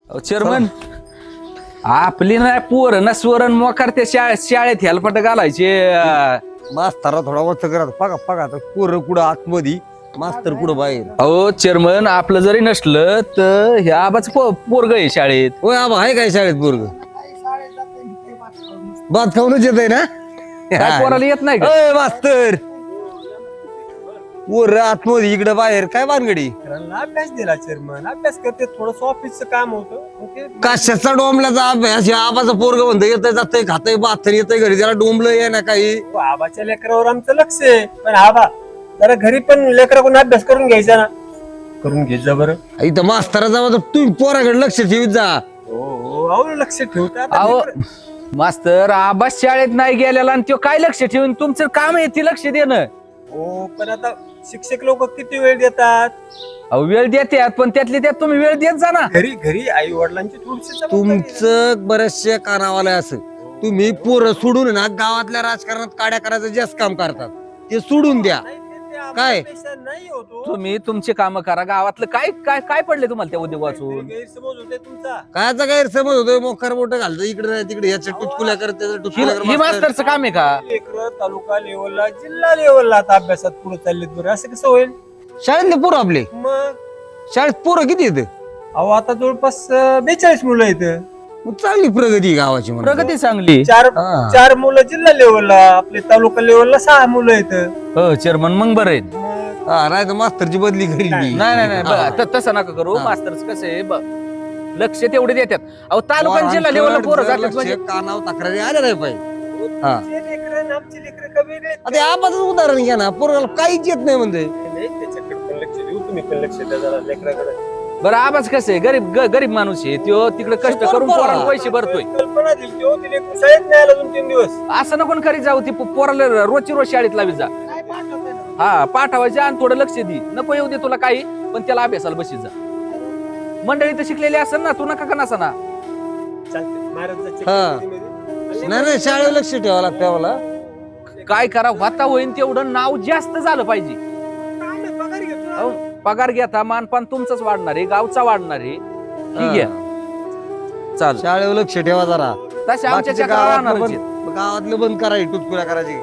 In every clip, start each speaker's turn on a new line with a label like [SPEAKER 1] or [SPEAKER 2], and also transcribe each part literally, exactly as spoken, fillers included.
[SPEAKER 1] Chairman आपली नाही पोर नसवरण मोकार त्या शाळेत शाळेत हेलपट घालायचे.
[SPEAKER 2] मास्तरा थोडा वच करत पगा पगा पोरं कुठं आतमध्ये मास्तर कुठं बाहेर.
[SPEAKER 1] अहो चेअरमन आपलं जरी नसलं तर ह्या आबाच पोरग आहे शाळेत.
[SPEAKER 2] होय आबा आहे काय शाळेत पोरग भात खाऊनच येत आहे ना.
[SPEAKER 1] काय पोराला येत नाही का?
[SPEAKER 2] अय मास्तर पोर आतमध्ये इकडे बाहेर काय भानगडी.
[SPEAKER 3] अभ्यास दिला चेअरमन अभ्यास करते थोडस ऑफिसचं काम होतं.
[SPEAKER 2] कशाचा डोंबल्याचा अभ्यास या आबाचा पोरग म्हणतो येतंय जातंय खातंय बाथर येतंय घरी त्याला डोंबलं ये ना काही.
[SPEAKER 3] आबाच्या लेकरावर आमचं लक्ष आहे पण आबा जरा घरी पण लेकराकडून अभ्यास करून घ्यायचा ना. करून घ्यायचा बरं.
[SPEAKER 2] इथं मास्तराचा मग तुम्ही पोराकडे लक्ष ठेवीत जा.
[SPEAKER 3] हो हो अहो लक्ष ठेवतात.
[SPEAKER 1] अहो मास्तर आबा शाळेत नाही गेलेला आणि तो काय लक्ष ठेवून तुमचं काम आहे ते लक्ष देणं.
[SPEAKER 3] हो पण आता शिक्षक लोक किती वेळ देतात.
[SPEAKER 1] अहो वेळ देतात पण त्यातली त्यात तुम्ही वेळ देत जा ना.
[SPEAKER 3] घरी घरी आई वडिलांची थोडीशी जबाबदारी आहे.
[SPEAKER 2] तुमचं बरेचसे कानावाला असं तुम्ही पोरं सोडून ना गावातल्या राजकारणात काड्या करायचं जास्त काम करतात ते सोडून द्या.
[SPEAKER 3] नाही, ते- ते
[SPEAKER 2] काय?
[SPEAKER 3] आबापेक्षा नाही होतो.
[SPEAKER 1] तुम्ही तुमचे काम करा. गावातलं काय काय काय पडले तुम्हाला त्या उद्योग वाचून?
[SPEAKER 3] गैरसमज होते तुमचा.
[SPEAKER 2] कायचा गैरसमज होतोय मोकार मोठं घालतं इकडे नाही तिकडे याच्या टुचकुल्या करत त्याच्या टुचकुल्या
[SPEAKER 1] ही
[SPEAKER 2] करत.
[SPEAKER 1] मास्तरचं काम आहे का?
[SPEAKER 3] लेकरं तालुका लेवलला जिल्हा लेवलला आता अभ्यासात पुढे चाललेत बरं असं कसं होईल
[SPEAKER 2] शाळेतले पोरं आपले
[SPEAKER 3] मग.
[SPEAKER 2] शाळेत पोरं किती येत
[SPEAKER 3] अहो आता जवळपास बेचाळीस मुलं आहेत.
[SPEAKER 2] चांगली प्रगती आहे गावाची म्हणून.
[SPEAKER 1] प्रगती चांगली.
[SPEAKER 3] चार
[SPEAKER 2] हा.
[SPEAKER 3] चार मुलं जिल्हा लेवलला आपले तालुका लेवलला सहा मुलं आहेत.
[SPEAKER 1] हो चेअरमन मग बरं आहे.
[SPEAKER 3] मग
[SPEAKER 2] हा नाही तर मास्तरची बदली करील मी.
[SPEAKER 1] नाही नाही नाही
[SPEAKER 2] हा.
[SPEAKER 1] ब- त- तसं नका करू.
[SPEAKER 2] हा.
[SPEAKER 1] मास्तरच कसं आहे ब- लक्ष तेवढे देतात. अहो तालुका आणि जिल्हा लेवलला पोरं
[SPEAKER 2] जर
[SPEAKER 1] जातात
[SPEAKER 2] लक्ष
[SPEAKER 1] म्हणजे
[SPEAKER 2] कानावर तक्रारी आल्या नाही पाहिजे. हा.
[SPEAKER 3] तुमचे लेकरं आणि आमचे लेकरं का वेगळे आहेत?
[SPEAKER 2] आता आबाच उदाहरण घ्या ना पोराला काहीच येत नाही म्हणजे.
[SPEAKER 3] नाही, त्याच्याकडे पण लक्ष देऊ तुम्ही पण लक्ष द्या जरा लेकराकडे.
[SPEAKER 1] बरं आवाज कसं आहे गरीब ग- गरीब माणूस आहे तो तिकडे कष्ट करून पोराला पैसे भरतोय.
[SPEAKER 3] कल्पना दिली होती, हो, ती लेकरं शाळेत नाही आला दोन तीन दिवस.
[SPEAKER 1] असं नको करीत जाऊ ती पो- पोराला रोजची रोज शाळेत लावी जा. हा पाठवायचे आणि थोडं लक्ष दे. नको येऊ दे तुला काही पण त्याला अभ्यासाला बशीत जा. मंडळी तर शिकलेली असेल ना तू नका का नसा ना.
[SPEAKER 3] चालतंय, महाराजाच्या
[SPEAKER 2] हा.
[SPEAKER 3] कीर्तनीमध्ये.
[SPEAKER 2] नाही नाही शाळेवर लक्ष ठेवावं लागतं आम्हाला.
[SPEAKER 1] काय करा वाता होईन तेवढं नाव जास्त झालं पाहिजे.
[SPEAKER 3] काम आहे, पगार घेतो ना.
[SPEAKER 1] अहो, पगार घेता मानपान तुमचंच वाढणार आहे गावचा वाढणार आहे. ठीक आहे चाल
[SPEAKER 2] शाळेवर लक्ष ठेवा जरा.
[SPEAKER 1] तसे आमच्या
[SPEAKER 2] बाकीच्या
[SPEAKER 1] चक्रा
[SPEAKER 2] गावातलं
[SPEAKER 1] राहणारच आहेत.
[SPEAKER 2] बंद- गावातलं बंद करायची टुचकुल्या करायची.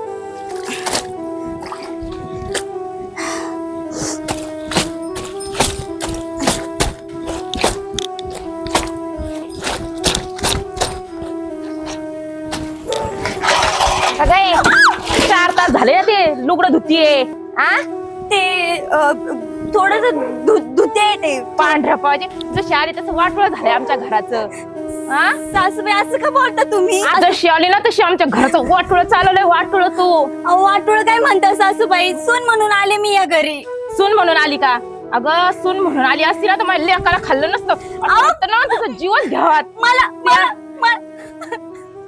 [SPEAKER 4] काय चार तास झाले ना ते लुगडं धुतीये. आ
[SPEAKER 5] ते थोडस धुते ते
[SPEAKER 4] पांढऱ्या पाहिजे जशी आली तसं वाटोळं झालंय आमच्या घराचं. हा
[SPEAKER 5] सासूबाई असं का बोलता तुम्ही?
[SPEAKER 4] जशी आली ना तशी आमच्या घराचं वाटोळं चालवलंय. वाटोळं तू
[SPEAKER 5] अहो वाटोळ काय म्हणता सासूबाई? सून म्हणून आले मी या घरी.
[SPEAKER 4] सून म्हणून आली का? अगं सून म्हणून आली असती ना तर माझ्या लेकाला खाल्लं नसतं. असं वाटतं ना तुझं जीवच घ्यावा.
[SPEAKER 5] मला मला मला-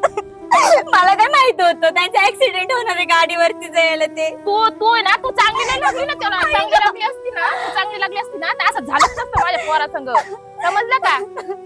[SPEAKER 5] मला काय माहित होतं त्यांचा ऍक्सिडेंट होणार आहे गाडीवरती जायला ते.
[SPEAKER 4] तू तू आहे ना तू चांगली नाही लागली ना त्याला. चांगली लागली असती ना तू चांगली लागली असती ना तर असं झालंच नसतं माझ्या पोरासंग. समजलं का?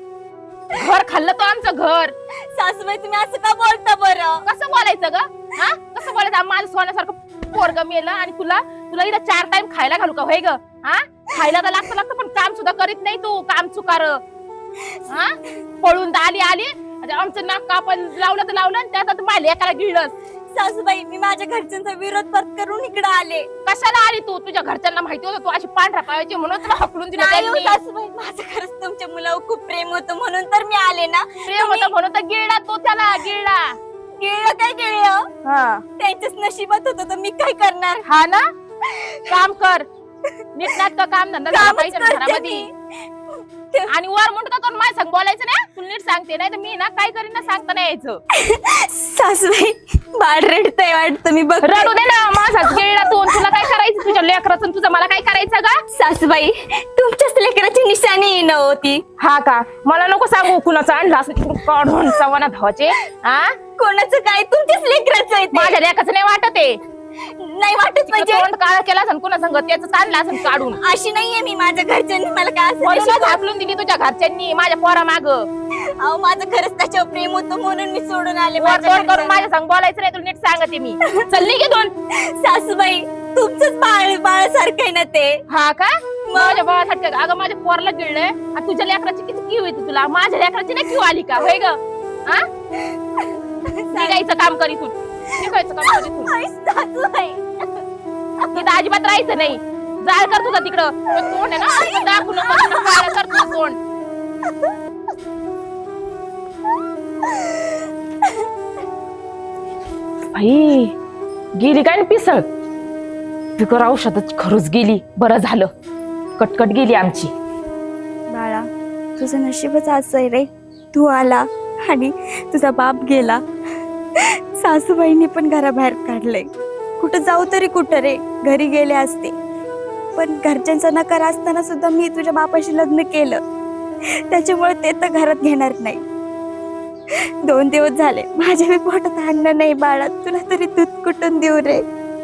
[SPEAKER 4] घर खाल्लं तो आमचं घर.
[SPEAKER 5] सासूबाई तुम्ही असं का बोलता बरं?
[SPEAKER 4] कसं बोलायचं ग? हा कसं बोलायचं? माझं सोन्यासारखं पोरग मेलं आणि तुला तुला इथं चार टाइम खायला घालू का? होय ग? हा खायला तर लागतं लागतं पण काम सुद्धा करीत नाही तू. काम चुकार हा पळून तर आली आली म्हणजे आमचं नाक कापण लावलं तर लावलं आणि त्यात आता माझ्या एकाला गिळलं.
[SPEAKER 5] सासूबाई मी माझ्या घरच्यांचा विरोध करून इकडे आले.
[SPEAKER 4] कशाला आली तू? तुझ्या घरच्यांना माहिती होतं तू अशी पांढऱ्या पायाची म्हणून तुला हकलून दिलं
[SPEAKER 5] नाही हो
[SPEAKER 4] त्यांनी.
[SPEAKER 5] सासूबाई माझं खरंच तुमच्या मुलावर खूप प्रेम होतं म्हणून तर मी आले ना.
[SPEAKER 4] प्रेम होतं म्हणून तर गिळला तो त्याला. गिळला
[SPEAKER 5] गिळलं काय गिळलं?
[SPEAKER 4] हा
[SPEAKER 5] त्यांच्याच नशिबात होतं तर मी काय करणार?
[SPEAKER 4] हा ना काम कर नीटनाटकं काम धंदा झाला
[SPEAKER 5] कामच
[SPEAKER 4] पाहिजे ना
[SPEAKER 5] करते
[SPEAKER 4] घरामध्ये.
[SPEAKER 5] मी.
[SPEAKER 4] आणि वर म्हणतो का माझ्या संग बोलायचं नाही? तुला नीट सांगते नाही तर मी ना काय करीन ना सांगता नाही यायचं.
[SPEAKER 5] सासूबाई बाळ रडतंय वाटतं मी बघ.
[SPEAKER 4] रडू दे ना माझाच गिळला तू. तुला काय करायचं? तुझ्या लेकराचं तुझं मला काय करायचं का?
[SPEAKER 5] सासूबाई तुमच्याच लेकराची निशाणी नव्हती.
[SPEAKER 4] हा का? मला नको सांगू कुणाचं आणलं असं तिकडून काढून सवाना धावाचे. हा
[SPEAKER 5] कोणाचं काय? तुमच्याच लेकराचं आहे ते.
[SPEAKER 4] माझ्या लेकाचं नाही वाटत आहे.
[SPEAKER 5] नाही वाटत म्हणजे
[SPEAKER 4] तोंड काळा केला असं कुणा संग त्याच आणलं असं काढून.
[SPEAKER 5] अशी नाहीये मी. माझ्या घरच्यांनी मला काय असं
[SPEAKER 4] म्हणूनच
[SPEAKER 5] नशीब-
[SPEAKER 4] हाकलून दिली तुझ्या घरच्यांनी माझ्या पोरा माग.
[SPEAKER 5] अहो माझं खरंच त्याच्यावर प्रेम होतं म्हणून मी सोडून आले
[SPEAKER 4] वर
[SPEAKER 5] माझ्या
[SPEAKER 4] तोंड करून
[SPEAKER 5] घरच्यांना.
[SPEAKER 4] माझ्या संग बोलायचं नाही तुला नीट सांगते मी. चल निघे दोन.
[SPEAKER 5] सासूबाई तुमचंच बाळ बाळासारखं आहे ना ते.
[SPEAKER 4] हा का? माझ्या बाळासाठी काय- अगं माझ्या पोराला गिळलंय आणि तुझ्या लेकराची किती किव येते तुला, माझ्या लेकराची नाही किव आली का होय ग? हा निघायचं काम कर इथून, निघायचं काम कर इथून.
[SPEAKER 5] आई, सासूबाई.
[SPEAKER 4] इथं अजिबात राहायचं नाही. जाळ कर तुझा तिकडं. तो तोंड आहे ना असं दाखवू नको, तुला काळं कर तुझं तोंड. आई गेली काय ना पिसळ, फिकर औषधच खरंच गेली. बरं झालं, कटकट गेली आमची.
[SPEAKER 5] बाळा, तुझं नशीबच असं आहे रे. तू आला आणि तुझा बाप गेला. सासूबाईंनी पण घराबाहेर काढलंय. कुठं जाऊ तरी कुठं रे, घरी गेले असते. पण घरच्यांचा नकार असताना सुद्धा मी तुझ्या बापाशी लग्न केलं. त्याच्यामुळे ते तर घरात घेणार नाही. दोन दिवस झाले माझ्या मी पोटात अन्न नाही बाळा. तुला तरी दूध कुठून देऊ रे?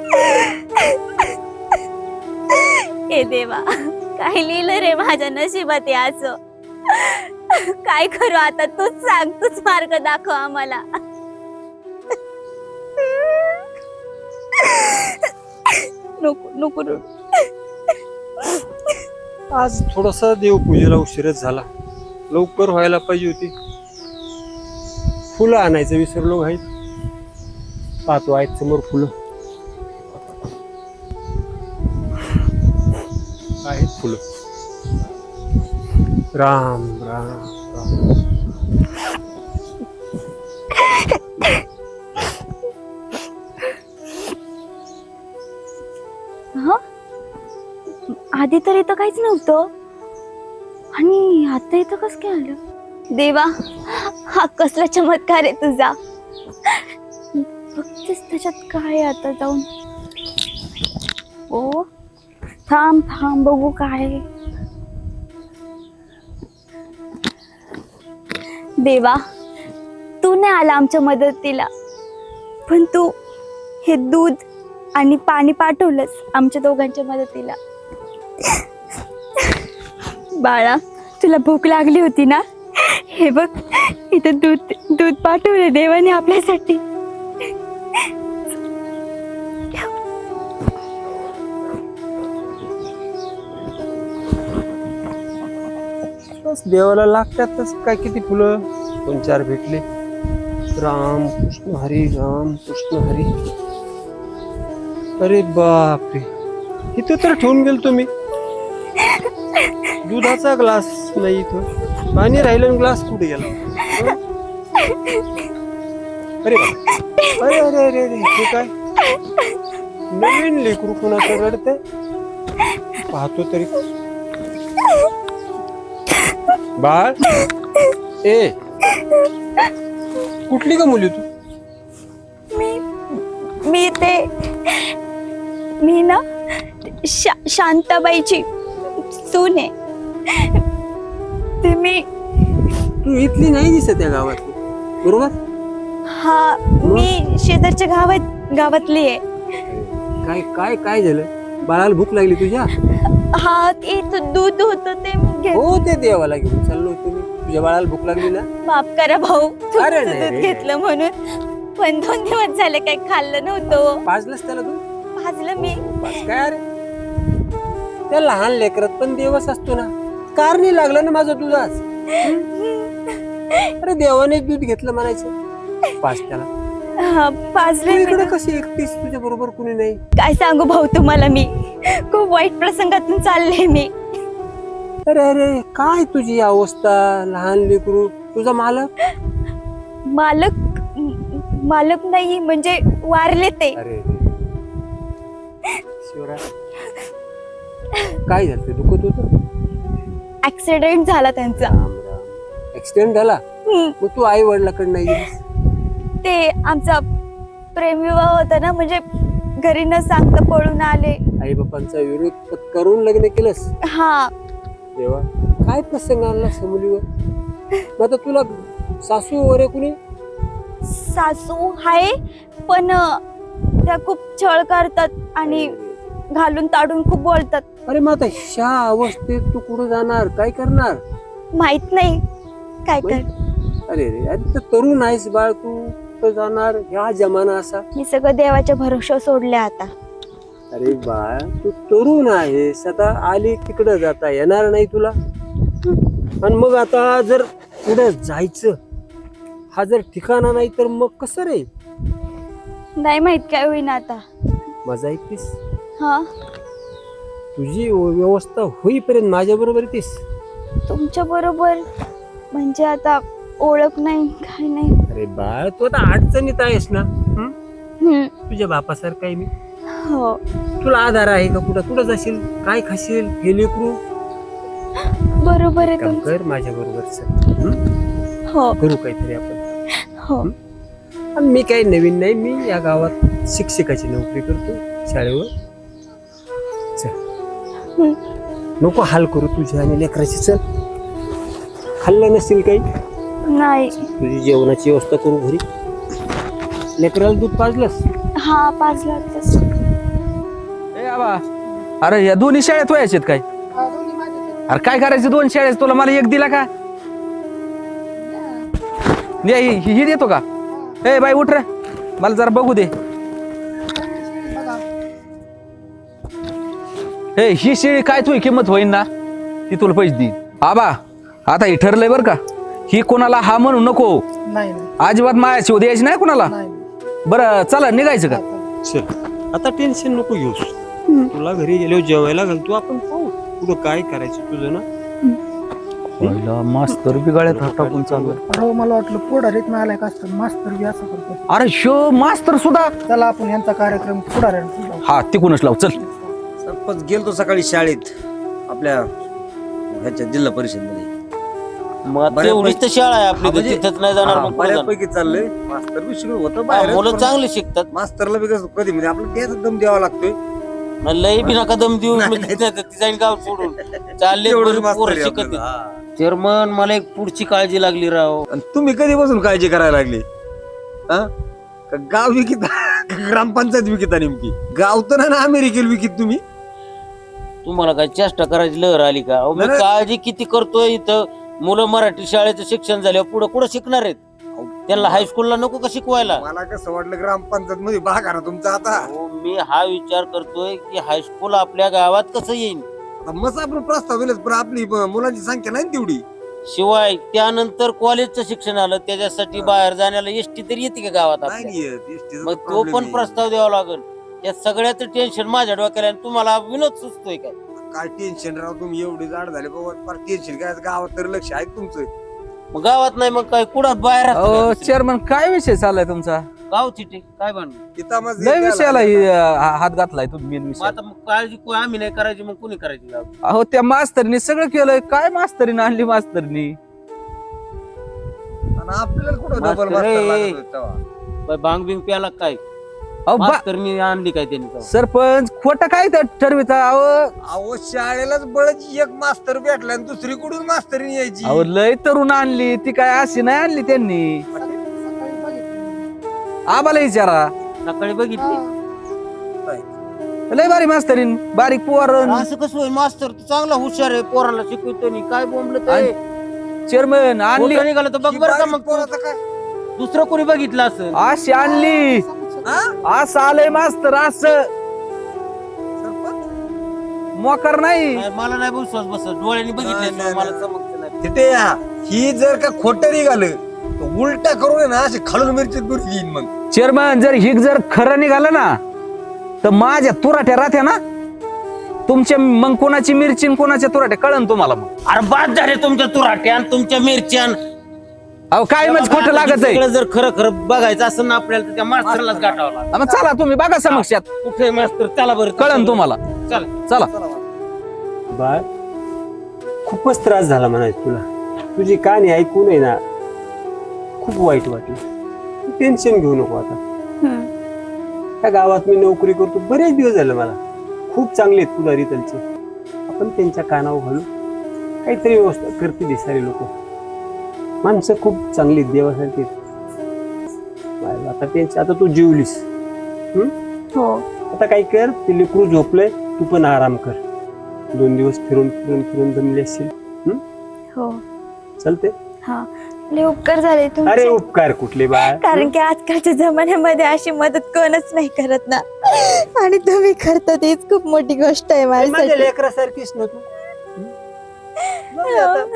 [SPEAKER 5] हे देवा, काय लिहिलं रे माझ्या नशिबात हे असं? काय करू आता, तूच सांग, तूच मार्ग दाखव आम्हाला. नको नको रडू.
[SPEAKER 3] आज थोडासा देवपूजेला उशीरच झाला, लवकर व्हायला पाहिजे होती. फुलं आणायचं विसरलो आहेत. पाहतो आहेत समोर फुलं आहेत. फुलं राम राम राम.
[SPEAKER 5] हा, आधी तर इथं काहीच नव्हतं आणि आता इथं कसं काय आलं? देवा, हा कसला चमत्कार आहे तुझा. बघतेस त्याच्यात काय आहे आता जाऊन. ओ थांब थांब बघू काय आहे. देवा, तू नाही आला आमच्या मदतीला, पण तू हे दूध आणि पाणी पाठवलंस आमच्या दोघांच्या मदतीला. बाळा, तुला भूक लागली होती ना? हे बघ, इथं दूध दूध पाठवलं देवाने आपल्यासाठी.
[SPEAKER 3] बस देवाला लागतातच काय, किती फुलं दोन चार भेटले. राम कृष्ण हरी, राम कृष्ण हरी. अरे बापरे, इथं तर ठेवून गेल तुम्ही. दुधाचा ग्लास नाही इथं, पाणी राहिलं, ग्लास कुठे गेला? अरे बाप, अरे अरे अरे अरे, हे काय नवीन लेकरू कुणाचं रडते? पाहतो तरी. बाळ, ए कुठली का मुली तू?
[SPEAKER 5] मी मी ते मी ना शा, शांताबाईची सून आहे. ते मी
[SPEAKER 3] तू इथली नाही दिसत या गावात, बरोबर?
[SPEAKER 5] हा, मी शेजारच्या गावात गावातली आहे.
[SPEAKER 3] काय काय काय झालं? बाळाला भूक लागली तुझ्या?
[SPEAKER 5] हा, ते इथं दूध होतं ते मी घेत.
[SPEAKER 3] हो, ते देवाला घेऊन चाललो होतो मी. तुझ्या बाळाला भूक लागली ना?
[SPEAKER 5] माफ करा भाऊ, तुमचं
[SPEAKER 3] अरे नाही
[SPEAKER 5] दूध
[SPEAKER 3] रे.
[SPEAKER 5] घेतलं म्हणून. पण दोन दिवस झाले काही खाल्लं नव्हतं.
[SPEAKER 3] पाजलंच त्याला तू?
[SPEAKER 5] भाजलं मी.
[SPEAKER 3] पाज काय अरे, त्या लहान लेकरात पण देवच असतो ना. कार नाही लागलं ना माझं दुधाच. अरे देवाने दूध घेतलं म्हणायचं. पाच त्याला.
[SPEAKER 5] हा, भाजलं मी.
[SPEAKER 3] इकडे कशी एकटीच, तुझ्या बरोबर कुणी नाही?
[SPEAKER 5] काय सांगू भाऊ तुम्हाला, मी खूप वाईट प्रसंगातून चालले मी.
[SPEAKER 3] अरे अरे, काय तुझी अवस्था? लहान लेकरू, तुझा मालक?
[SPEAKER 5] मालक मालक नाही, म्हणजे वारले ते.
[SPEAKER 3] अरे शिवराय, काय झालं? ते दुखत होत?
[SPEAKER 5] ऍक्सिडेंट झाला त्यांचा.
[SPEAKER 3] ऍक्सिडेंट झाला?
[SPEAKER 5] हम्म.
[SPEAKER 3] मग तू आई वडिलाकडे नाही गेलीस?
[SPEAKER 5] ते आमचा प्रेमविवाह होता ना, म्हणजे घरी न सांगता पळून आले.
[SPEAKER 3] आई बापांचा विरोध करून लग्न केलंस?
[SPEAKER 5] हा,
[SPEAKER 3] देवा, काय प्रसंग आणला मुलीवर? मग आता तुला सासू वगैरे कुणी?
[SPEAKER 5] सासू आहे, पण त्या खूप छळ करतात आणि घालून ताडून खूप बोलतात.
[SPEAKER 3] अरे मग आता ह्या अवस्थेत तू कुठं जाणार? काय करणार?
[SPEAKER 5] माहित नाही काय कर.
[SPEAKER 3] अरे रे, अरे तर तरुण आहेस बाळ, तू कुठं जाणार? ह्या जमाना असा.
[SPEAKER 5] मी सगळं देवाच्या भरोश्यावर सोडले आता.
[SPEAKER 3] अरे बाळ तू तरुण आहेस, आता आली तिकडं जाता येणार नाही तुला. आणि मग आता जर पुढे जायचं हा जर ठिकाणा नाही तर मग कसं रे?
[SPEAKER 5] नाही माहित काय होईना आता.
[SPEAKER 3] मजा येतेस,
[SPEAKER 5] हा
[SPEAKER 3] तुझी व्यवस्था होईपर्यंत माझ्या बरोबर येतेस.
[SPEAKER 5] तुमच्या बरोबर म्हणजे आता ओळख नाही काय नाही.
[SPEAKER 3] अरे बाळ तू आता अडचणीत आहेस ना. हं?
[SPEAKER 5] हम्म.
[SPEAKER 3] तुझ्या बापासारखं आहे मी.
[SPEAKER 5] हो
[SPEAKER 3] तुला आधार आहे का? कुठं कुठं जाशील, काय खाशील, हे लेकरू.
[SPEAKER 5] बरोबर आहे
[SPEAKER 3] काम
[SPEAKER 5] तुमचं.
[SPEAKER 3] कर माझ्या बरोबर.
[SPEAKER 5] हो
[SPEAKER 3] करू काहीतरी आपण.
[SPEAKER 5] हो
[SPEAKER 3] आणि मी काही नवीन नाही, मी या गावात शिक्षकाची नोकरी करतो शाळेवर. चल
[SPEAKER 5] हम्म.
[SPEAKER 3] नको हाल करू तुझ्या आणि लेकराची. चल खाल्लं नसेल काही,
[SPEAKER 5] नाही.
[SPEAKER 3] तुझी जेवणाची व्यवस्था करू घरी. लेकराला दूध पाजलंस?
[SPEAKER 5] हा पाचला तसं.
[SPEAKER 1] ए आबा, अरे या दोन्ही शाळेत व्हायचे काय? अरे काय करायचं दोन शाळेत, तुला मला एक दिला का? दे, ही ही देतो का? ए बाई उठ रे, मला जरा बघू दे. ए ही शेळी काय तुझी किंमत होईन ना, ती तुला पैसे देईन. आबा आता हे ठरलंय बरं का, ही कोणाला हा म्हणू नको.
[SPEAKER 6] नाही
[SPEAKER 1] अजिबात मायाची उद्या यायची नाही कोणाला. बरं चला निघायचं का?
[SPEAKER 3] चल आता टेन्शन नको घेऊस. तुला घरी गेल्यावर जेवायला घालतो आपण, पाहू तुला काय करायचं तुझं ना.
[SPEAKER 1] पहिला मास्तर बिगाड्यात हात टाकून चालू आहे.
[SPEAKER 6] अरे मला वाटलं पुढारीत नाही आलाय का असतं, मास्तर बी असं करतो.
[SPEAKER 1] अरे शो मास्तर सुद्धा.
[SPEAKER 6] चला आपण यांचा कार्यक्रम पुढाऱ्यांना
[SPEAKER 1] हा तिकूनच लाव चल.
[SPEAKER 2] सरपंच गेलतो सकाळी शाळेत आपल्या ह्याच्या जिल्हा परिषद मध्ये.
[SPEAKER 7] मग तेवढीच तर शाळा आहे आपली, तर तिथंच नाही जाणार मग पुढं जाणार.
[SPEAKER 2] बऱ्यापैकी चाललंय. मास्तर बी शिकवत होतं
[SPEAKER 7] हा,
[SPEAKER 2] बाहेर.
[SPEAKER 7] मुलं चांगली शिकतात.
[SPEAKER 2] मास्तरला बी कसं कधी म्हणजे आपलं त्याच दम द्यावा लागतोय.
[SPEAKER 7] मग लई बी नका दम देऊ, म्हणजे ती जाईन गाव सोडून चालले
[SPEAKER 2] तेवढंच
[SPEAKER 7] पोरं
[SPEAKER 2] मास्तर आहे
[SPEAKER 7] शिकत.
[SPEAKER 2] आपल्याला. हा.
[SPEAKER 7] चेअरमन मला एक पुढची काळजी लागली राव.
[SPEAKER 2] आणि तुम्ही कधीपासून काळजी करायला लागली? हा? का गाव विकित ग्रामपंचायत विकिता नेमकी? गाव तर नाही ना अमेरिकेला विकित तुम्ही?
[SPEAKER 7] तुम्हाला काय चेष्टा करायची लहर आली का? अहो, मी
[SPEAKER 2] नाही.
[SPEAKER 7] काळजी किती करतोय इथं. मुलं मराठी शाळेचं शिक्षण झाल्यावर पुढे कुठं शिकणार आहेत? त्यांना हायस्कूलला नको का शिकवायला?
[SPEAKER 2] मला कसं वाटलं ग्रामपंचायत मध्ये भाग आहे ना तुमचा आता.
[SPEAKER 7] अहो, मी हा विचार करतोय की हायस्कूल आपल्या गावात कसं येईल.
[SPEAKER 2] आता मस्त आपण प्रस्ताव दिलेत, पण आपली ब- मुलांची संख्या नाही ना तेवढी.
[SPEAKER 7] शिवाय त्यानंतर कॉलेजचं शिक्षण आलं, त्याच्यासाठी बाहेर जाण्याला एसटी तरी येते का गावात
[SPEAKER 2] नाही
[SPEAKER 7] आपल्या?
[SPEAKER 2] येत. एसटीचा
[SPEAKER 7] मग तो
[SPEAKER 2] problem
[SPEAKER 7] पण
[SPEAKER 2] आहे.
[SPEAKER 7] प्रस्ताव द्यावा लागेल. या सगळ्याचं टेन्शन माझ्या डोक्याला आहे. तुम्हाला विनोद सुचतोय काय?
[SPEAKER 2] काय टेन्शन राव, तुम्ही एवढे जाड झाले बाबा, फार टेन्शन काय गावात तरी लक्ष आहे तुमचं.
[SPEAKER 7] मग गावात नाही मग काय कुठं बाहेर असतं
[SPEAKER 1] अहो
[SPEAKER 7] का?
[SPEAKER 1] चेअरमन काय विषय चाललाय तुमचा?
[SPEAKER 7] गाव चिठ्ठी काय बन
[SPEAKER 2] इथं मग
[SPEAKER 1] लय विषयाला ही, हा- हात घातलाय तुम्ही मेन विषय.
[SPEAKER 7] आता मग काळजी को- आम्ही नाही करायची मग कुणी करायची गाव?
[SPEAKER 1] अहो त्या मास्तरनी सगळं केलंय. काय मास्तरीने आणली मास्तरनी?
[SPEAKER 2] आणि आपल्याला कुठं
[SPEAKER 7] मास्तर
[SPEAKER 2] डबल मास्तर
[SPEAKER 7] रे.
[SPEAKER 2] लागत होते तेव्हा.
[SPEAKER 7] बाय भांग बिंग प्याला काय?
[SPEAKER 1] अहो बा-
[SPEAKER 7] मास्तरनी आणली काय त्यांनी गाव?
[SPEAKER 1] सरपंच खोट काय तर ठरविता? अहो
[SPEAKER 2] अहो शाळेलाच बळची एक मास्तर भेटला आणि दुसरी कुठून मास्तरीने यायची.
[SPEAKER 1] अहो लय तरुण आणली ती, काय अशी नाही आणली त्यांनी.
[SPEAKER 6] सकाळी बघितलं.
[SPEAKER 1] आबाला विचारा.
[SPEAKER 7] सकाळी बघितली.
[SPEAKER 1] लय बारी मास्तरीन, बारीक पोर.
[SPEAKER 7] असं कसं होईल? मास्तर तू चांगला हुशार आहे, पोराला शिकवतो नी काय बोंबलं
[SPEAKER 1] आणि चेअरमन आणली
[SPEAKER 7] खोटं निघालं तर बघ
[SPEAKER 2] ही
[SPEAKER 7] बरं का
[SPEAKER 2] बारीक
[SPEAKER 7] मग
[SPEAKER 2] पोराचं काय?
[SPEAKER 7] दुसरं कोणी बघितलं असं.
[SPEAKER 1] अशी आणली.
[SPEAKER 2] हा?
[SPEAKER 1] असं आलंय मास्तर, असं
[SPEAKER 2] सरपंच?
[SPEAKER 1] मोकर नाही.
[SPEAKER 7] नाही, मला नाही विश्वास बसत. डोळ्यांनी
[SPEAKER 2] नाही,
[SPEAKER 7] बघितले
[SPEAKER 2] नाही,
[SPEAKER 7] मला
[SPEAKER 2] नाही.
[SPEAKER 7] चमकत नाही.
[SPEAKER 2] तिथे या. ही जर का खोटं निघालं तर उलटा करून आहे ना अशी खालून मिरची दूर येईन मग.
[SPEAKER 1] चेअरमन जर हिग जर खरं निघालं ना, तर माझ्या तुराट्या राहत्या ना तुमच्या, मग कोणाची मिरची आणि कोणाच्या तुराट्या कळन तुम्हाला. मग
[SPEAKER 7] अरे बाद झाले तुमच्या तुराट्यान तुमच्या मिरच्यान.
[SPEAKER 1] अहो काय म्हणजे खोटं लागत आहे?
[SPEAKER 7] सगळं जर खरं खरं बघायचं असं ना आपल्याला तर त्या मास्तरलाच गाठावं लागतं.
[SPEAKER 1] मग चला तुम्ही बघा समक्षात,
[SPEAKER 7] कुठे मास्तर चला बरं
[SPEAKER 1] कळन तुम्हाला.
[SPEAKER 7] चल.
[SPEAKER 1] चला.
[SPEAKER 3] बाळ खूपच त्रास झाला म्हणायचं तुला. तुझी कहाणी ऐकून आहे ना खूप वाईट वाटलं. टेन्शन घेऊ नको आता.
[SPEAKER 5] हम्म.
[SPEAKER 3] त्या गावात मी नोकरी करतो बरेच दिवस झाले. मला खूप चांगले आहेत पुढारी त्यांचे. आपण त्यांच्या कानावर घालू, काहीतरी व्यवस्था करते दिसारी लोक. माणसं खूप चांगली आहेत, देवासारखी आहेत. आता त्यांची आता तू जेवलीस. हम्म?
[SPEAKER 5] हो
[SPEAKER 3] आता काय कर, ते लेकरू झोपलंय, तू पण आराम कर. दोन दिवस फिरून फिरून फिरून जमले असतील.
[SPEAKER 5] हो
[SPEAKER 3] चालते.
[SPEAKER 5] हा लय उपकार झाले
[SPEAKER 3] अरे
[SPEAKER 5] तुमचे.
[SPEAKER 3] उपकार कुठले बाळ
[SPEAKER 5] कारण की आजकालच्या जमान्यामध्ये अशी मदत कोणच नाही करत ना, आणि तुम्ही करता तेच खूप मोठी गोष्ट आहे
[SPEAKER 3] माझ्या
[SPEAKER 5] माझ्यासाठी.
[SPEAKER 3] लेकरासारखीच ना तू हं? जाऊ दे आता.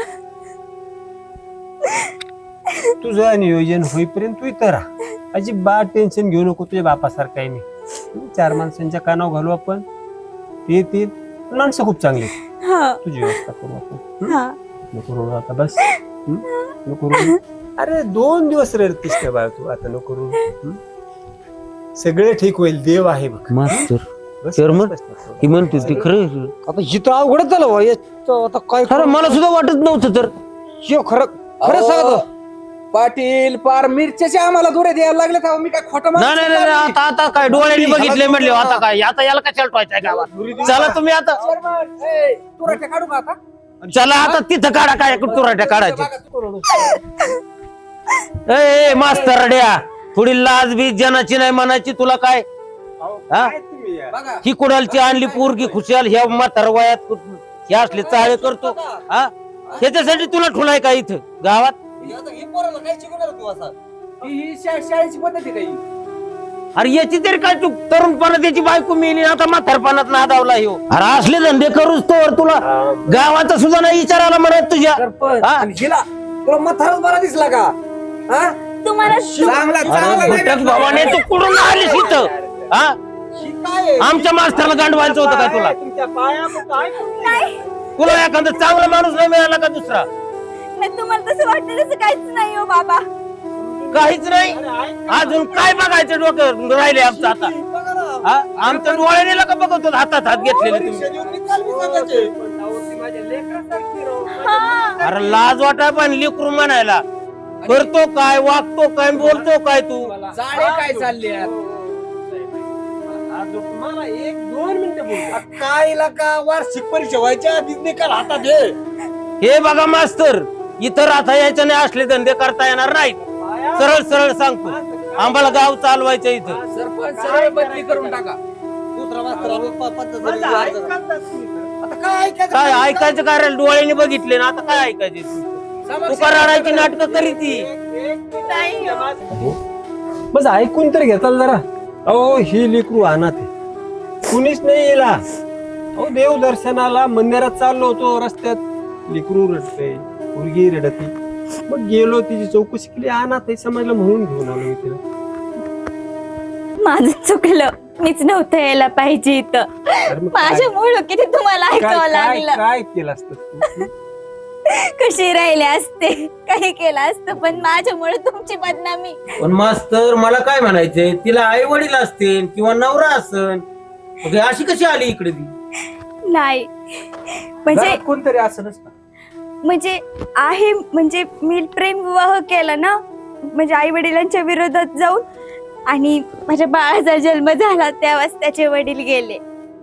[SPEAKER 3] तुझं नियोजन होईपर्यंत तू इथं राहा, अजिबात टेन्शन घेऊ नको. तुझ्या बापासारखं आहे मी. हं? चार माणसांच्या कानावर घालू आपण, ते येतील. माणसं खूप चांगली आहेत.
[SPEAKER 5] हा
[SPEAKER 3] तुझी व्यवस्था करू आपण. हं?
[SPEAKER 5] हा
[SPEAKER 3] नको रडू आता बस. हं? नको रडू. अरे दोन दिवस रडतीस का बाळ तू, आता नको रडू. हं? सगळे ठीक होईल, देव आहे बघ.
[SPEAKER 7] मास्तर
[SPEAKER 3] बस,
[SPEAKER 7] चेअरमन,
[SPEAKER 3] बस, बस, बस.
[SPEAKER 7] ही म्हणते ती खरं
[SPEAKER 2] आता हिथं अवघडच झालं बुवा. याचं आता काय
[SPEAKER 7] खरं मला सुद्धा वाटत नव्हतं. तर
[SPEAKER 2] शिव खरं खरं सांगतो.
[SPEAKER 1] पाटील पार मिरच्याच्या आम्हाला दुरे द्यायला लागले तेव्हा मी काय खोटं
[SPEAKER 7] नाही नाही नाही, आता आता काय डोळ्यांनी बघितले म्हणले आता काय, आता याला कशाला ठेवायचं आहे गावात. चला तुम्ही आता,
[SPEAKER 1] तुराट्या काढू का आता?
[SPEAKER 7] चला आता तिथं काढा काय तुराट्या काढायचे. ए ए, मास्तर रड्या, थोडी लाज बी जनाची नाही म्हणायची तुला काय. हा?
[SPEAKER 3] काय तुम्ही यार?
[SPEAKER 1] बघा
[SPEAKER 7] ही कुणालची आणली पोरगी खुशाल, ह्या म्हातार वयात हे असले चाळे करतो. हा, त्याच्यासाठी तुला ठुलाय का इथं गावात.
[SPEAKER 1] ही ही शा- शाळेची पद्धत आहे काही.
[SPEAKER 7] अरे याची तरी काय तू तरुणपणात त्याची बायको मिली, आता म्हातारपणात नादावला ह्यो. अरे असले धंदे करूच तोवर तुला गावाचा सुद्धा नाही विचारायला म्हणत तुझ्या. हा?
[SPEAKER 2] तुला मथारच बरा दिसला का? हा?
[SPEAKER 5] तुम्हाला
[SPEAKER 2] चांगला
[SPEAKER 7] अरे
[SPEAKER 2] चांगला
[SPEAKER 7] भटक भावाने तू कुठून आलीस इथं. हा, आमच्या मास्तरला गांडवायचं होतं काय तुला.
[SPEAKER 3] तुमच्या पाया पडतो, आहे का?
[SPEAKER 7] तुला एखादा चांगला माणूस नाही मिळाला का दुसरा.
[SPEAKER 5] नाही, तुम्हाला तसं वाटतं तसं काहीच नाही हो बाबा.
[SPEAKER 7] काहीच नाही. अजून काय बघायचं डोकं राहिले आमचं आता. हा? आमच्या डोळ्याने का बघतो हातात हात घेतलेले तुम्ही.
[SPEAKER 5] हा
[SPEAKER 7] अरे लाज वाटाय पण लेकरू म्हणायला. करतो काय, वागतो काय, बोलतो काय तू.
[SPEAKER 1] जाळे काय चालले
[SPEAKER 3] मला एक दोन मिनिटं बोल.
[SPEAKER 2] काय का वार्षिक परीक्षा व्हायच्या आधीच निकाल हातात घे.
[SPEAKER 7] हे बघा मास्तर, इतर आता याच्याने असले धंदे करता येणार नाहीत. सरळ सरळ सांगतो, आम्हाला गाव चालवायचं इथं.
[SPEAKER 1] सरपंच सरळ बदली करून टाका.
[SPEAKER 2] दुसरा मास्तर आलो, प- पद्धत झाली. आता काय ऐकायचं?
[SPEAKER 7] काय ऐकायचं काय रे, डोळ्याने बघितले ना, आता काय ऐकायचे. तू का रडायची नाटकं करी ती.
[SPEAKER 5] नाही हो.
[SPEAKER 3] बस ऐकून तर घेताल जरा. अहो ही लेकरू अनाथ आहे, कुणीच नाही येला. अहो देव दर्शनाला मंदिरात चाललो होतो, रस्त्यात लेकरू रडते, मुलगी रडती. मग गेलो, तिची चौकशी केली, अनाथ आहे समजलं म्हणून घेऊन आलो मी तिला.
[SPEAKER 5] माझं चुकलं, मीच नव्हतं यायला पाहिजे इथं.
[SPEAKER 3] अरे मग काय-
[SPEAKER 5] माझ्यामुळं किती तुम्हाला
[SPEAKER 3] काय
[SPEAKER 5] ऐकावं
[SPEAKER 3] काय
[SPEAKER 5] लागलं.
[SPEAKER 3] काय केलं असतं तू?
[SPEAKER 5] कशी राहिले असते, काही केलं असतं, पण माझ्यामुळे तुमची बदनामी.
[SPEAKER 7] पण मास्तर मला काय म्हणायचंय, तिला आई वडील असतील किंवा नवरा असन, मग हे अशी कशी आली इकडे ती.
[SPEAKER 5] नाही म्हणजे
[SPEAKER 1] घरात कोणतरी असं नसतं.
[SPEAKER 5] म्हणजे आहे, म्हणजे मी प्रेम विवाह केला ना, म्हणजे आई वडिलांच्या विरोधात जाऊन, आणि माझ्या बाळाचा जन्म झाला तेव्हाच त्याचे वडील गेले.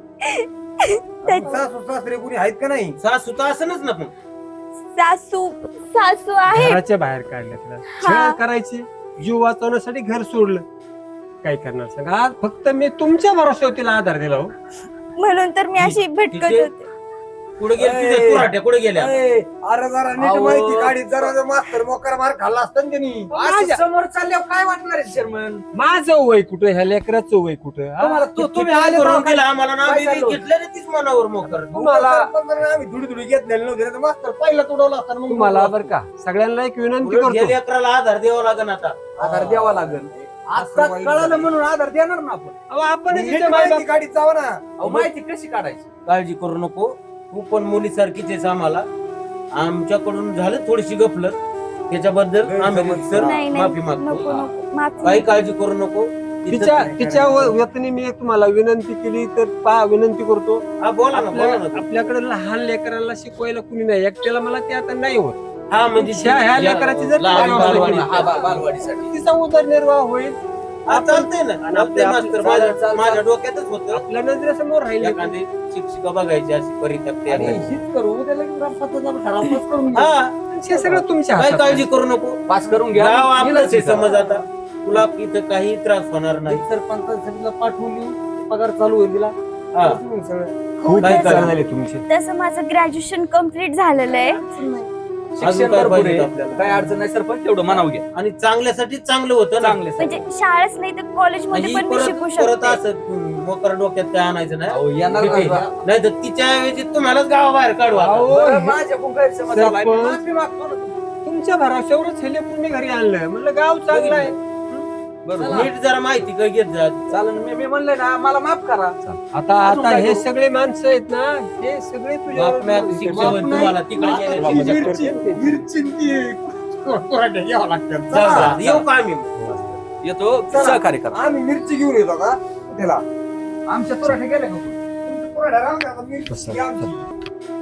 [SPEAKER 2] सासू सासरे कुणी आहेत का नाही?
[SPEAKER 7] सासू तर असनच ना. पण
[SPEAKER 5] सासू सासू आहे.
[SPEAKER 3] घराच्या बाहेर काढलं तिला, छळ करायची, जीव वाचवण्यासाठी घर सोडलं. काय करणार सांगा. आज फक्त मी तुमच्या भरोश्यावर तिला आधार दिला हो.
[SPEAKER 5] म्हणून तर मी अशी भटकत
[SPEAKER 7] तिचे-
[SPEAKER 5] होते.
[SPEAKER 7] कुठे गेली तिथे तुराट्या, कुठे गेल्या.
[SPEAKER 2] ए, अरे जरा नीट
[SPEAKER 1] अहो.
[SPEAKER 2] माहिती काढी. जरा जर मास्तर मोकार मार खाल्ला असता ना त्यांनी.
[SPEAKER 1] असं समोर चालल्यावर काय वाटणार आहे शर्मन?
[SPEAKER 3] माझं वय कुठं, ह्या लेकराचं वय कुठं. हा?
[SPEAKER 1] तुम्हाला तू- तुम्ही आले
[SPEAKER 7] करून
[SPEAKER 1] तर
[SPEAKER 7] दिलं आम्हाला ना,
[SPEAKER 1] काय
[SPEAKER 7] आम्ही
[SPEAKER 1] चाललं?
[SPEAKER 7] घेतलं तीच मनावर मोकर.
[SPEAKER 2] तुम्हाला आम्ही धुडी धुडी घेतलेलं नव्हते ना, तर मास्तर पहिला तुडवला असता ना मग
[SPEAKER 3] तुम्हाला बरं का सगळ्यांना एक विनंती करतो.
[SPEAKER 7] गेल्या अकराला आधार द्यावा लागेल आता.
[SPEAKER 1] आधार द्यावा लागेल. आता कळालं म्हणून आधार देणार ना आपण.
[SPEAKER 3] अहो, आपण
[SPEAKER 2] नीट
[SPEAKER 3] हिच्या मायबाप-
[SPEAKER 2] माहिती काढीत जावा ना.
[SPEAKER 1] अहो, माहिती कशी काढायची?
[SPEAKER 7] काळजी करू नको, तू पण मुलीसारखीच आहेस आम्हाला. आमच्याकडून झालं थोडीशी गफलत, त्याच्याबद्दल आम्ही सर
[SPEAKER 5] नाही नाही,
[SPEAKER 7] माफी
[SPEAKER 5] नको
[SPEAKER 7] मागतो.
[SPEAKER 5] नको माफी.
[SPEAKER 7] काही काळजी करू नको.
[SPEAKER 3] तिच्या तिच्या व- वतीने मी एक तुम्हाला विनंती केली तर पा विनंती करतो.
[SPEAKER 7] हा बोला ना, बोला
[SPEAKER 3] आपल्या-
[SPEAKER 7] ना तू.
[SPEAKER 3] आपल्याकडे लहान लेकरांना शिकवायला कुणी नाही, एकट्याला मला ते आता नाही होत.
[SPEAKER 7] हा म्हणजे
[SPEAKER 3] ह्या- ह्या लेकराची जर
[SPEAKER 7] लहान
[SPEAKER 3] बालवाडी
[SPEAKER 7] बालवाडी.
[SPEAKER 3] केली,
[SPEAKER 1] हा, बा- बालवाडीसाठी.
[SPEAKER 3] तिचा उदरनिर्वाह होईल.
[SPEAKER 7] हा, चालतंय ना.
[SPEAKER 3] आणि
[SPEAKER 7] आपले
[SPEAKER 3] आपल्या-
[SPEAKER 7] मास्तर
[SPEAKER 3] चाल-
[SPEAKER 7] माझ्या
[SPEAKER 1] चाल-
[SPEAKER 7] माझ्या डोक्यातच होतं.
[SPEAKER 3] आपल्या नजरेसमोर राहिले.
[SPEAKER 7] एखादी शिक्षिका बघायची अशी परित्यक्ती
[SPEAKER 2] आणि
[SPEAKER 7] आहे.
[SPEAKER 2] हीच करू उद्या लगेच ग्रामपंचायतीला ठरावच करून घेऊ.
[SPEAKER 7] हा,
[SPEAKER 3] हे सगळं तुमच्या
[SPEAKER 7] काही
[SPEAKER 3] हातात
[SPEAKER 7] काळजी
[SPEAKER 3] आहे.
[SPEAKER 7] करू नको.
[SPEAKER 1] पास करून घ्या.
[SPEAKER 7] गाव आपलंच आहे,
[SPEAKER 1] गेलं
[SPEAKER 7] समज आता तुला इथं काही त्रास होणार नाही.
[SPEAKER 2] सरपंचाला पाठवून देऊ, पगार चालू होईल तिला.
[SPEAKER 7] हा.
[SPEAKER 2] मग सगळं
[SPEAKER 3] खूप
[SPEAKER 7] काय
[SPEAKER 3] चांगलं
[SPEAKER 7] करा.
[SPEAKER 3] झाले तुमचे.
[SPEAKER 5] तसं माझं ग्रॅज्युएशन कम्प्लीट झालेलं आहे.
[SPEAKER 1] शिक्षण
[SPEAKER 7] काय
[SPEAKER 1] भरपूर
[SPEAKER 7] पाहिजे
[SPEAKER 1] आहे.
[SPEAKER 7] आपल्याला?
[SPEAKER 1] काय अडचण नाही सरपंच तेवढं म्हणावं घ्या
[SPEAKER 7] आणि चांगल्यासाठी चांगलं होतं ना
[SPEAKER 1] चांगले
[SPEAKER 5] म्हणजे शाळाच नाही तर कॉलेजमध्ये
[SPEAKER 7] आणि
[SPEAKER 5] पण मी
[SPEAKER 7] परत
[SPEAKER 5] शिकू
[SPEAKER 7] परत
[SPEAKER 5] शकते
[SPEAKER 7] असं मोकर डोक्यात काय आणायचं नाही
[SPEAKER 1] येणार
[SPEAKER 7] किती? नाही तर तिच्या ऐवजी तुम्हालाच गावाबाहेर काढू आता.
[SPEAKER 1] माझ्याकडून गैरसमज झालाय. मी
[SPEAKER 3] सरपंच.
[SPEAKER 1] माफी मागतो ना.
[SPEAKER 3] तुमच्या भराशावरच हे लेकरून मी घरी आणलंय म्हणलं गाव चांगलं आहे.
[SPEAKER 1] बरोबर.
[SPEAKER 7] नीट जरा माहिती काय घेत जा
[SPEAKER 1] चालेल मी मी म्हणलंय ना मला माफ करा
[SPEAKER 3] आता
[SPEAKER 1] अजून
[SPEAKER 3] आता
[SPEAKER 1] काय
[SPEAKER 3] हे
[SPEAKER 1] करू?
[SPEAKER 3] सगळे माणसं आहेत ना हे सगळे तुझ्यावर
[SPEAKER 7] बाप मॅप शिक्षण होईल तुम्हाला तिकडे गेल्यावर.
[SPEAKER 3] मिरची- मिरची ती कोराट्या घ्यावं लागतात.
[SPEAKER 7] जा, जा. येऊ का आम्ही
[SPEAKER 1] येतो सहकार्य करा.
[SPEAKER 2] आम्ही मिरची घेऊन येतो का त्याला
[SPEAKER 6] आमच्या पुराठे गेले का तुमच्या पुराठ्या राहून द्या, आता मिरची आमची.